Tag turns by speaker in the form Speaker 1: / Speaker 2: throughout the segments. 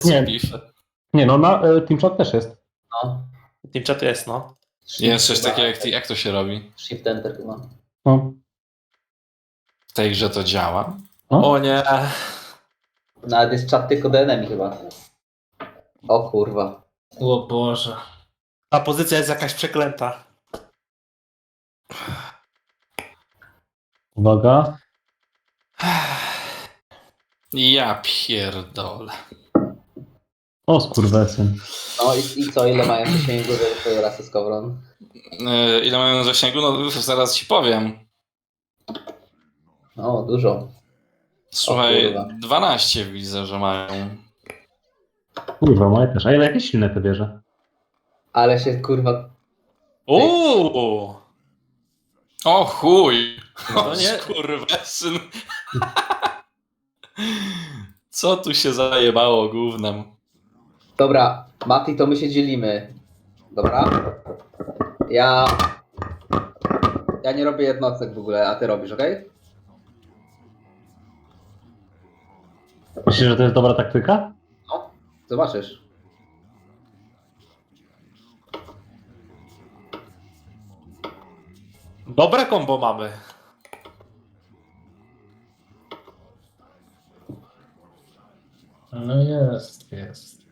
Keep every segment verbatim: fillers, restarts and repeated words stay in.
Speaker 1: Nie.
Speaker 2: Bify.
Speaker 1: Nie no, na y, TeamChat też jest.
Speaker 3: No.
Speaker 4: Team chat jest, no.
Speaker 2: Jest coś
Speaker 3: Chyba-
Speaker 2: takiego jak, jak to się robi?
Speaker 3: Shift Enter chyba.
Speaker 1: No.
Speaker 2: W tej grze to działa?
Speaker 1: No.
Speaker 4: O nie.
Speaker 3: Nawet jest czat tylko do enemy chyba. O kurwa.
Speaker 5: O Boże.
Speaker 4: Ta pozycja jest jakaś przeklęta.
Speaker 1: Uwaga.
Speaker 2: Ja pierdolę.
Speaker 1: O skurwesyn.
Speaker 3: No i, i co, ile mają zasięgu do twojej rasy Skowron?
Speaker 2: Yy, ile mają zasięgu? No zaraz ci powiem.
Speaker 3: O, dużo.
Speaker 2: Słuchaj,
Speaker 3: kurwa.
Speaker 2: dwanaście widzę, że mają.
Speaker 1: Kurwa, moje też. A ile jakieś silne te bierze?
Speaker 3: Ale się kurwa...
Speaker 4: Uuu.
Speaker 2: O chuj!
Speaker 4: No
Speaker 2: O
Speaker 4: nie.
Speaker 2: skurwesyn. Co tu się zajebało gównem?
Speaker 3: Dobra, Mati, to my się dzielimy. Dobra? Ja... Ja nie robię jednostek w ogóle, a ty robisz, okej?
Speaker 1: Myślisz, że to jest dobra taktyka?
Speaker 3: No, zobaczysz.
Speaker 4: Dobre kombo mamy.
Speaker 5: No jest, jest.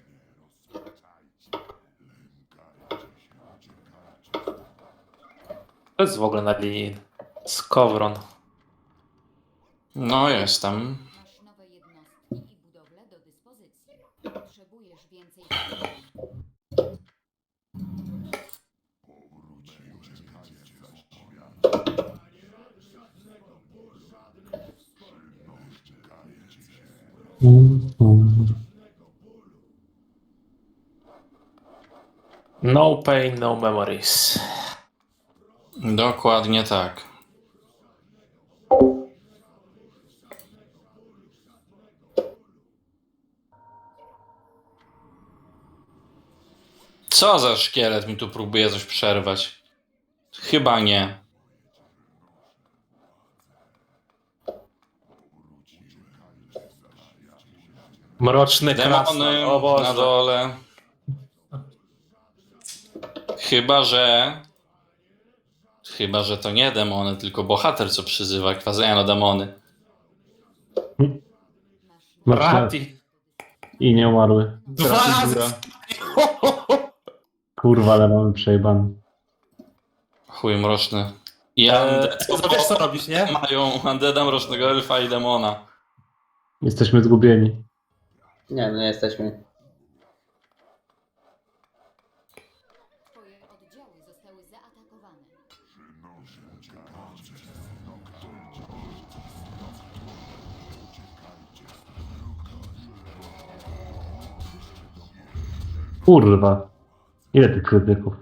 Speaker 4: To jest w ogóle na linii. Skowron.
Speaker 2: No jestem.
Speaker 6: Masz nowe jednostki i budowle do dyspozycji. Potrzebujesz więcej.
Speaker 4: No pain, no memories.
Speaker 2: Dokładnie tak. Co za szkielet mi tu próbuje coś przerwać? Chyba nie.
Speaker 4: Mroczny krasnal.
Speaker 2: Demony
Speaker 4: O Boże.
Speaker 2: na dole. Chyba, że... Chyba, że to nie demony, tylko bohater, co przyzywa. Kwazejano demony.
Speaker 1: Mroczne
Speaker 4: Rati.
Speaker 1: i nie umarły.
Speaker 4: Dwa razy.
Speaker 1: Kurwa, ale mamy przejebany.
Speaker 2: Chuj mroczny. I
Speaker 4: Eee,
Speaker 2: undead.
Speaker 4: to wiesz co robisz, nie?
Speaker 2: Mają undeada, mrocznego elfa i demona.
Speaker 1: Jesteśmy zgubieni.
Speaker 3: Nie, no nie jesteśmy.
Speaker 6: Twoje oddziały zostały zaatakowane.
Speaker 1: Kurwa. Ile tych krytyków?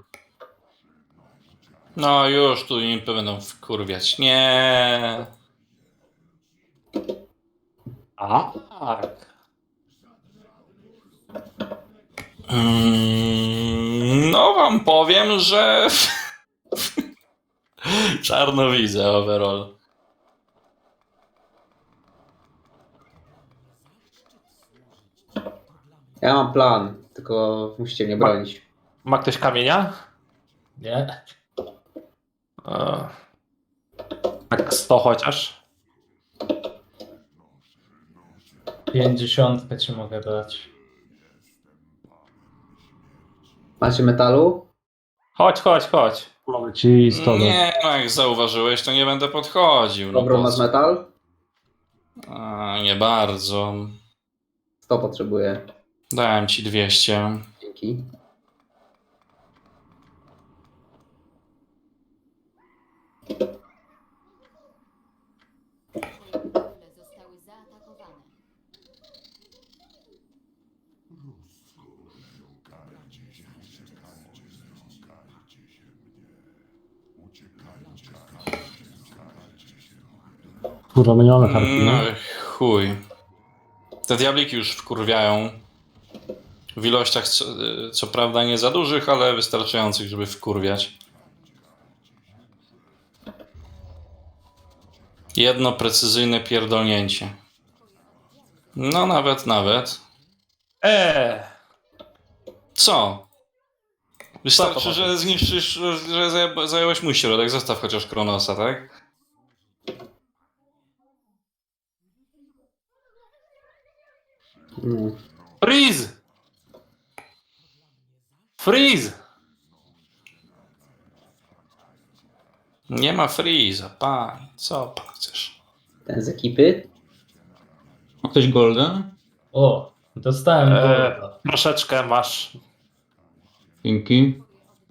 Speaker 2: No już tu impy będą wkurwiać. Nie.
Speaker 4: A, tak.
Speaker 2: Mm, no wam powiem, że czarno widzę overall.
Speaker 3: Ja mam plan, tylko musicie mnie bronić.
Speaker 4: Ma ktoś kamienia?
Speaker 5: Nie?
Speaker 4: E, tak sto chociaż.
Speaker 5: Pięćdziesiątkę ci mogę dać.
Speaker 3: Macie metalu?
Speaker 4: Chodź, chodź, chodź.
Speaker 1: Mamy ci sto.
Speaker 2: Nie, no jak zauważyłeś, to nie będę podchodził. No
Speaker 3: Dobro,
Speaker 2: po
Speaker 3: masz
Speaker 2: co?
Speaker 3: metal?
Speaker 2: A, nie bardzo.
Speaker 3: sto potrzebuję.
Speaker 2: Dałem ci dwieście.
Speaker 3: Dzięki.
Speaker 6: Twoje budowle zostały zaatakowane.
Speaker 1: Kurwa, my nie mamy harpii,
Speaker 2: No
Speaker 1: nie?
Speaker 2: chuj. Te diabliki już wkurwiają. W ilościach co, co prawda nie za dużych, ale wystarczających, żeby wkurwiać. Jedno precyzyjne pierdolnięcie. No nawet, nawet.
Speaker 4: Eee,
Speaker 2: Co? Wystarczy,
Speaker 4: to
Speaker 2: że
Speaker 4: powiedz?
Speaker 2: zniszczysz, że zaja- zająłeś mój środek. Zostaw chociaż Kronosa, tak?
Speaker 3: Mm.
Speaker 4: freeze! Freeze!
Speaker 2: Nie ma Freeza, pani. Co pan chcesz?
Speaker 3: Ten z ekipy?
Speaker 7: Ma ktoś golden?
Speaker 5: O, dostałem
Speaker 4: Eee,
Speaker 5: golda.
Speaker 4: troszeczkę masz.
Speaker 7: Dzięki.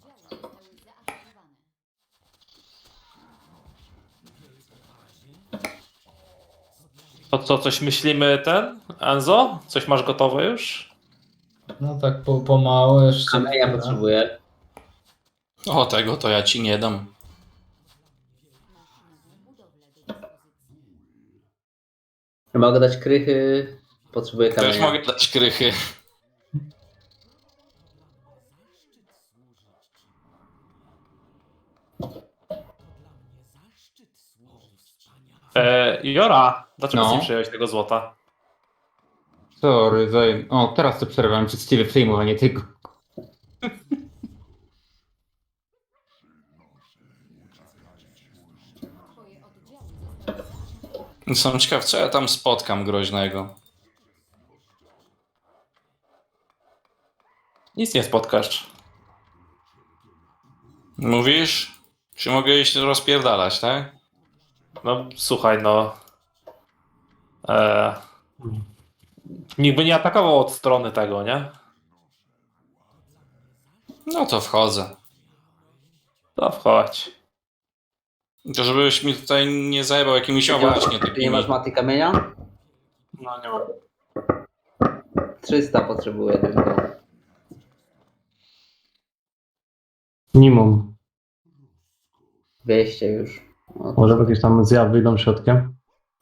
Speaker 4: To co, coś myślimy ten? Enzo? Coś masz gotowe już?
Speaker 5: No tak po, pomału jeszcze.
Speaker 3: Kamienia
Speaker 5: chwilę.
Speaker 3: potrzebuję.
Speaker 2: O, tego to ja ci nie dam.
Speaker 3: Mogę dać krychy. Potrzebuję
Speaker 2: Też
Speaker 3: kamienia.
Speaker 2: mogę dać krychy.
Speaker 4: Eee, Jora, dlaczego
Speaker 7: No.
Speaker 4: nie przyjąłeś tego złota?
Speaker 7: Sorry, zajem... O, teraz to przerwałem przez ciebie przejmowanie tego.
Speaker 6: Twoje oddziały zostały
Speaker 2: Jestem ciekaw, co ja tam spotkam groźnego.
Speaker 4: Nic nie spotkasz.
Speaker 2: Mówisz? Czy mogę iść rozpierdalać, tak?
Speaker 4: No słuchaj, no. Eee, nikt by nie atakował od strony tego, nie?
Speaker 2: No to wchodzę.
Speaker 4: To wchodź.
Speaker 2: To żebyś mi tutaj nie zajebał jakimiś o
Speaker 3: Ty nie
Speaker 2: właśnie
Speaker 3: masz- Ty nie
Speaker 2: takimi.
Speaker 3: masz maty kamienia?
Speaker 4: No nie mam.
Speaker 3: trzysta potrzebuję tylko.
Speaker 1: Nie mam.
Speaker 3: dwieście już. O,
Speaker 1: Może jakieś tam zjawy wyjdą środkiem?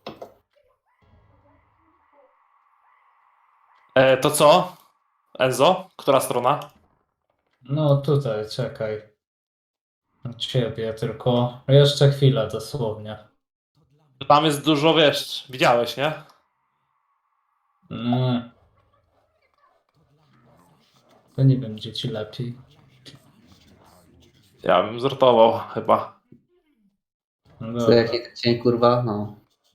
Speaker 4: Eee, to co? Enzo? Która strona?
Speaker 5: No tutaj, czekaj. Ciebie tylko. Jeszcze chwilę dosłownie.
Speaker 4: Tam jest dużo, wiesz, widziałeś, nie?
Speaker 5: Mm. To nie wiem, gdzie ci lepiej.
Speaker 4: Ja bym zrotował chyba.
Speaker 5: No
Speaker 3: Co
Speaker 5: dobra.
Speaker 3: jaki cień kurwa? No.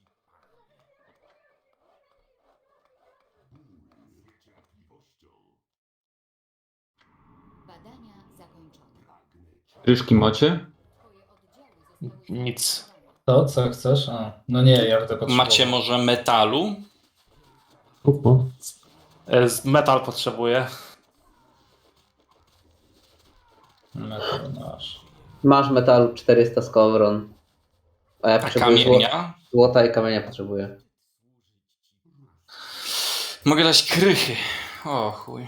Speaker 6: badania zakończone.
Speaker 7: Ryszki macie?
Speaker 6: Twoje oddziały zostały
Speaker 4: Nic.
Speaker 5: To, co chcesz? A, no nie, ja będę potrzebował.
Speaker 2: Macie może metalu?
Speaker 1: Uhu.
Speaker 4: Eee, z- metal potrzebuję.
Speaker 5: No to masz.
Speaker 3: Masz metalu czterysta z kowron. A ja
Speaker 2: A
Speaker 3: potrzebuję zło-
Speaker 2: kamienia?
Speaker 3: złota i kamienia potrzebuję.
Speaker 2: Mogę dać krychy. O chuj.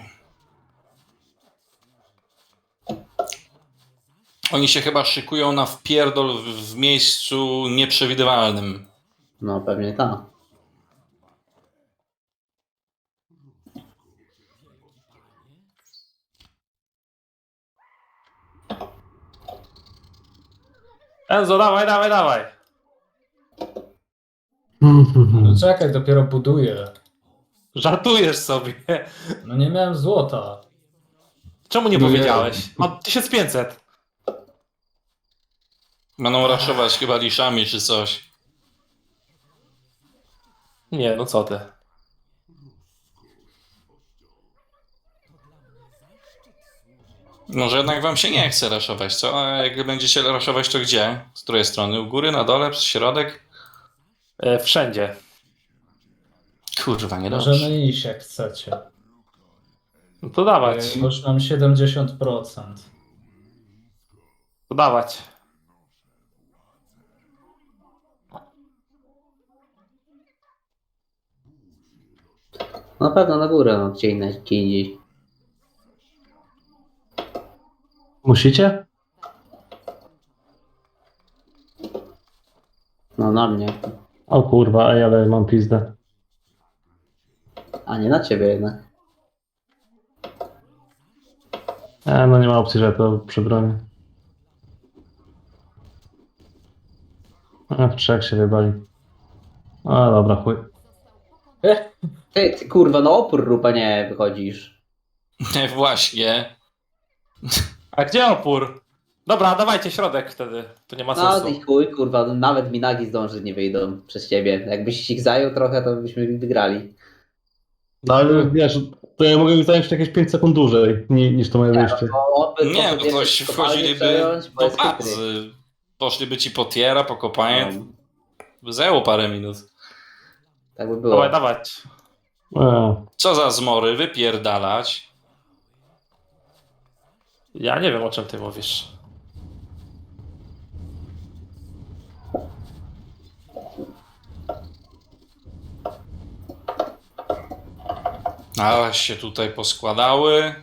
Speaker 2: Oni się chyba szykują na wpierdol w, w miejscu nieprzewidywalnym.
Speaker 3: No pewnie tak.
Speaker 4: Enzo, dawaj, dawaj, dawaj.
Speaker 5: No czekaj, dopiero buduję.
Speaker 4: Żartujesz sobie.
Speaker 5: No nie miałem złota.
Speaker 4: Czemu nie
Speaker 7: No
Speaker 4: powiedziałeś? Mam tysiąc pięćset.
Speaker 2: Będą raszować chyba liszami czy coś.
Speaker 4: Nie, no co ty.
Speaker 2: Może jednak wam się nie chce raszować, co? A jak będziecie raszować, to gdzie? Z której strony? U góry, na dole, przez środek?
Speaker 4: E, wszędzie.
Speaker 2: Kurwa, nie
Speaker 5: Możemy
Speaker 2: dobrze.
Speaker 5: iść jak chcecie.
Speaker 4: No to dawać.
Speaker 5: Bo już mam siedemdziesiąt procent.
Speaker 4: To dawać.
Speaker 3: Na pewno na górę, no gdzie indziej. Gdzie indziej.
Speaker 1: Musicie?
Speaker 3: No na mnie.
Speaker 1: O kurwa, ej, ale mam pizdę.
Speaker 3: A nie na ciebie jednak.
Speaker 1: E, no nie ma opcji, że to przebronię. A, w trzech się wybali. A dobra, chuj.
Speaker 5: Eh,
Speaker 3: Ty, ty kurwa, no opór rób, a nie wychodzisz.
Speaker 2: Właśnie.
Speaker 4: A gdzie opór? Dobra, dawajcie środek wtedy. To nie ma
Speaker 3: No
Speaker 4: sensu.
Speaker 3: i chuj, kurwa, nawet Minagi zdąży nie wyjdą przez ciebie. Jakbyś ich zajął trochę, to byśmy wygrali.
Speaker 1: No ale wiesz, to ja mogę zająć jakieś pięć sekund dłużej ni, niż to moje wyjście.
Speaker 3: Bo on by
Speaker 2: Nie,
Speaker 3: poszedł
Speaker 2: bo to
Speaker 3: jeszcze kopalnię
Speaker 2: wchodziliby
Speaker 3: przejąć, bo
Speaker 2: do
Speaker 3: jest chytry.
Speaker 2: bazy. Poszliby ci po tiera, po kopanie.
Speaker 3: No,
Speaker 2: By zajęło parę minut.
Speaker 3: tak by było.
Speaker 4: Dawaj, dawać.
Speaker 1: A,
Speaker 2: Co za zmory, wypierdalać.
Speaker 4: Ja nie wiem, o czym ty mówisz.
Speaker 2: A się tutaj poskładały.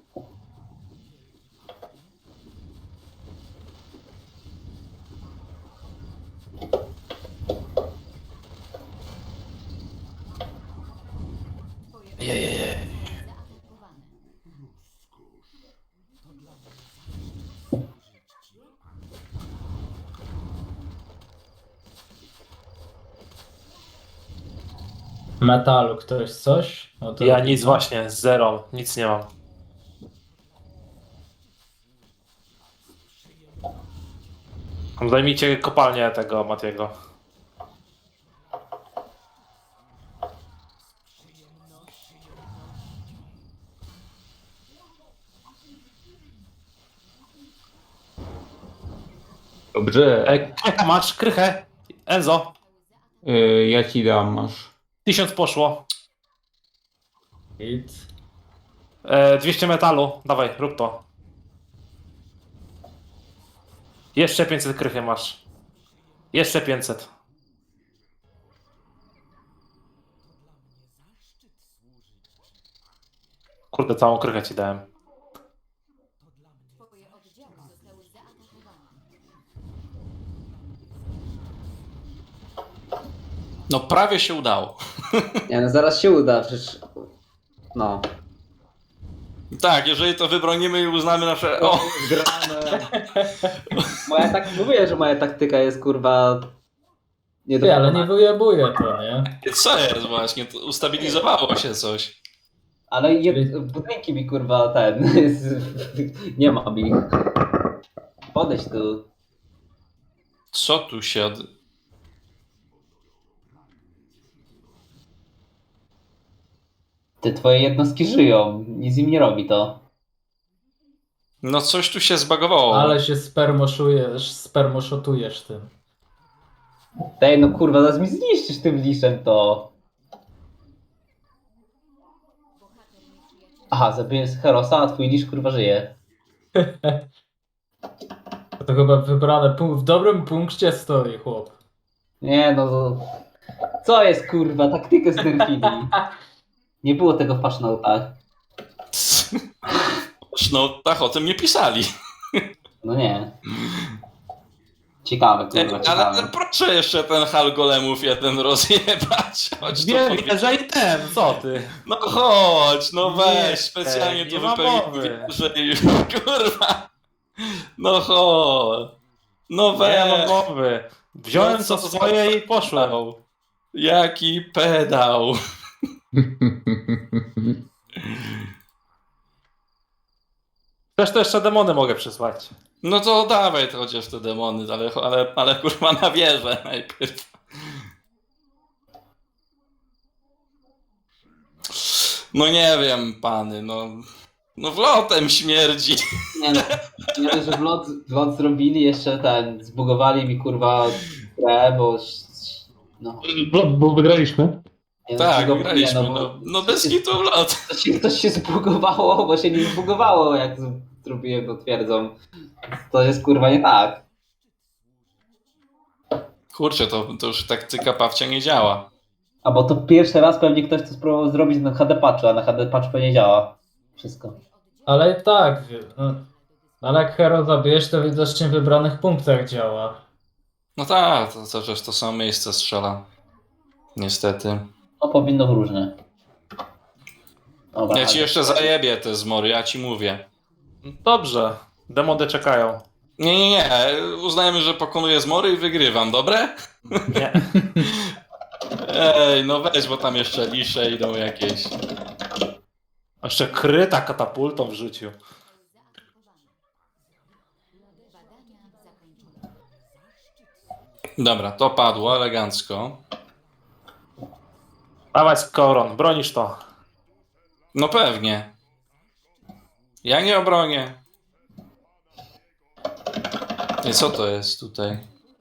Speaker 6: Zaatakowane.
Speaker 5: Metalu ktoś coś? No to
Speaker 4: Ja nic właśnie, zero, nic nie mam. Zajmijcie kopalnię tego Matiego.
Speaker 7: Dobrze.
Speaker 4: E, krychę masz, krychę. Enzo,
Speaker 7: Y, ja ci dam, masz.
Speaker 4: tysiąc poszło.
Speaker 5: Hit.
Speaker 4: E, dwieście metalu, dawaj, rób to. Jeszcze pięćset krychy masz. Jeszcze pięćset. Kurde, całą krychę ci dałem.
Speaker 6: Twoje oddziały zostały zaatakowane.
Speaker 2: No prawie się udało.
Speaker 3: Nie, no zaraz się uda, przecież... No.
Speaker 2: Tak, jeżeli to wybronimy i uznamy nasze... O!
Speaker 3: Zgrane. Moja tak... Mówię, że moja taktyka jest, kurwa... Nie do
Speaker 5: Ty, ale nie wyjebuje to, nie?
Speaker 2: Co jest właśnie? To ustabilizowało się coś.
Speaker 3: Ale je... budynki mi, kurwa, ten... nie mam ich. Podejdź tu.
Speaker 2: Co tu się... Od...
Speaker 3: Te twoje jednostki żyją. Nic im nie robi to.
Speaker 2: No coś tu się zbagowało.
Speaker 5: Ale się spermoszujesz, spermoszotujesz tym.
Speaker 3: Tej, no kurwa, zaraz mi zniszczysz tym liszem to.
Speaker 6: Bohater nieprzyjaciela.
Speaker 3: Aha, zabiję z Herosa, a twój lisz, kurwa, żyje.
Speaker 5: To chyba wybrane pu- w dobrym punkcie stoi chłop.
Speaker 3: Nie, no... to- Co jest, kurwa? Taktykę znerfili. Nie było tego w pasznotach.
Speaker 2: No tak, o tym nie pisali.
Speaker 3: No nie. Ciekawe, kurwa,
Speaker 2: Ale,
Speaker 3: ciekawe.
Speaker 2: ale proszę jeszcze ten hal golemów jeden rozjebać. Chodź tu
Speaker 4: Wiem,
Speaker 2: powiedz.
Speaker 4: że i ten, co ty?
Speaker 2: No chodź, no weź,
Speaker 4: Nie,
Speaker 2: specjalnie
Speaker 4: nie
Speaker 2: to
Speaker 4: ma
Speaker 2: wypełniłem,
Speaker 4: mowy.
Speaker 2: że kurwa. No chodź. No
Speaker 4: Nie
Speaker 2: weź.
Speaker 4: mam mowy. Wziąłem
Speaker 2: No
Speaker 4: co
Speaker 2: co
Speaker 4: swoje i poszłem.
Speaker 2: Pedał. Jaki pedał.
Speaker 4: Też to jeszcze demony mogę przysłać.
Speaker 2: No to dawaj to chociaż te demony, ale, ale, ale kurwa na wieżę najpierw. No nie wiem, pany, no... No wlotem śmierdzi.
Speaker 3: Nie no, nie dość, że vlog, vlog zrobili, jeszcze ten, zbugowali mi, kurwa, grę, bo... No,
Speaker 1: bo, bo wygraliśmy.
Speaker 3: nie,
Speaker 2: Tak,
Speaker 3: no,
Speaker 2: wygraliśmy,
Speaker 3: nie, bo
Speaker 2: no, no bez
Speaker 3: coś-
Speaker 2: kitu wlot.
Speaker 3: Coś się, coś się zbugowało, bo się nie zbugowało, jak z- zrobiłem to twierdzą. To jest, kurwa, nie tak.
Speaker 2: Kurczę, to, to już taktyka Pawcia nie działa.
Speaker 3: A bo to pierwszy raz pewnie ktoś to spróbował zrobić na H D patchu, a na H D patch pewnie działa. Wszystko.
Speaker 5: Ale i tak, wie- no, ale jak hero zabijesz, to widocznie w wybranych punktach działa.
Speaker 2: No tak, to, to też to samo miejsce strzela. Niestety.
Speaker 3: No powinno w różne. Dobra,
Speaker 2: Ja ci
Speaker 3: ale-
Speaker 2: jeszcze zajebię te zmory, ja ci mówię.
Speaker 4: Dobrze, demony czekają.
Speaker 2: Nie, nie, nie. Uznajemy, że pokonuję zmory i wygrywam, dobre?
Speaker 4: Nie.
Speaker 2: Ej, no weź, bo tam jeszcze lisze idą jakieś.
Speaker 4: A jeszcze kryta katapultą w życiu.
Speaker 6: Badania zakończone.
Speaker 2: Dobra, to padło elegancko.
Speaker 4: Dawaj, Koron, bronisz to.
Speaker 2: No pewnie. Ja nie obronię. I co to jest tutaj?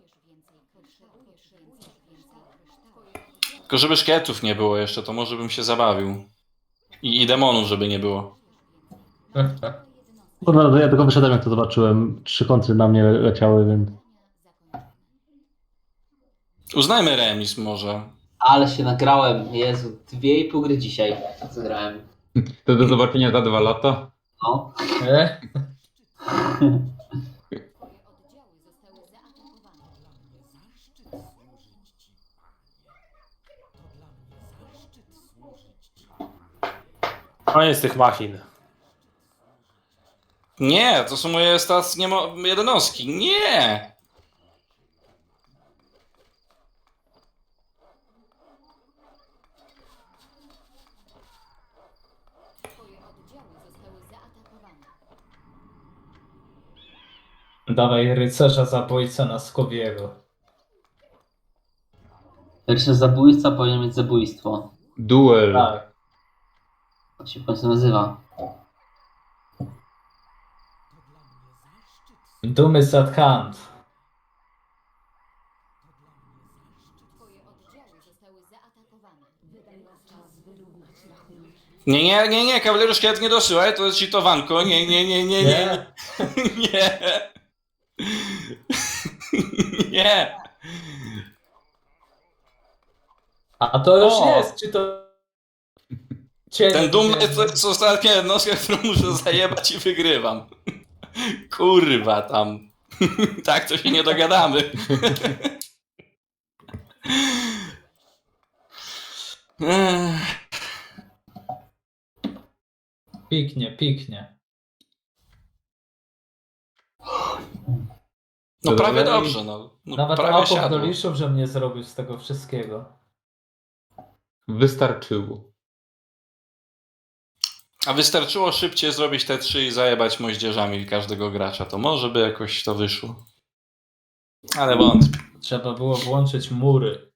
Speaker 2: Tylko żeby szkietów nie było jeszcze, to może bym się zabawił. I, i demonów, żeby nie było.
Speaker 1: Kurwa, ja tylko wyszedłem, jak to zobaczyłem. Trzy kontry na mnie leciały, więc...
Speaker 2: Uznajmy remis może.
Speaker 3: Ale się nagrałem, Jezu, dwie i pół gry dzisiaj zagrałem.
Speaker 7: To do zobaczenia za dwa lata.
Speaker 3: No.
Speaker 5: E?
Speaker 4: Koniec tych machin.
Speaker 2: Nie, to są moje stacje mo- jednostki. Nie!
Speaker 6: Twoje oddziały zostały zaatakowane.
Speaker 5: Dawaj rycerza zabójcę na Skowiego.
Speaker 3: Pierwszy zabójca powinien mieć zabójstwo.
Speaker 7: Duel.
Speaker 5: Tak.
Speaker 3: To się w końcu nazywa.
Speaker 5: Dumy z at hand.
Speaker 6: Twoje oddziały zostały zaatakowane. Wydaje czas wyrównać rachunek.
Speaker 2: Nie, nie, nie, nie, kawaler szkielet nie dosyłaj, to jest cheatowanko. Nie, nie, nie, nie, nie. Nie. Nie.
Speaker 5: A to już
Speaker 2: O!
Speaker 5: jest, czy to... Cień,
Speaker 2: Ten dumny
Speaker 5: nie-
Speaker 2: to jest ostatnia jednostka, którą muszę zajebać i wygrywam. Kurwa tam. Tak to się nie dogadamy. Ech.
Speaker 5: Piknie, piknie.
Speaker 2: No prawie
Speaker 7: Dalej.
Speaker 2: dobrze, no. no
Speaker 5: Nawet
Speaker 2: prawie
Speaker 5: Apok
Speaker 2: siadło.
Speaker 5: doliczył, że mnie zrobił z tego wszystkiego.
Speaker 7: Wystarczyło.
Speaker 2: A wystarczyło szybciej zrobić te trzy i zajebać moździerzami każdego gracza. To może by jakoś to wyszło. Ale wątpię.
Speaker 5: Trzeba było włączyć mury.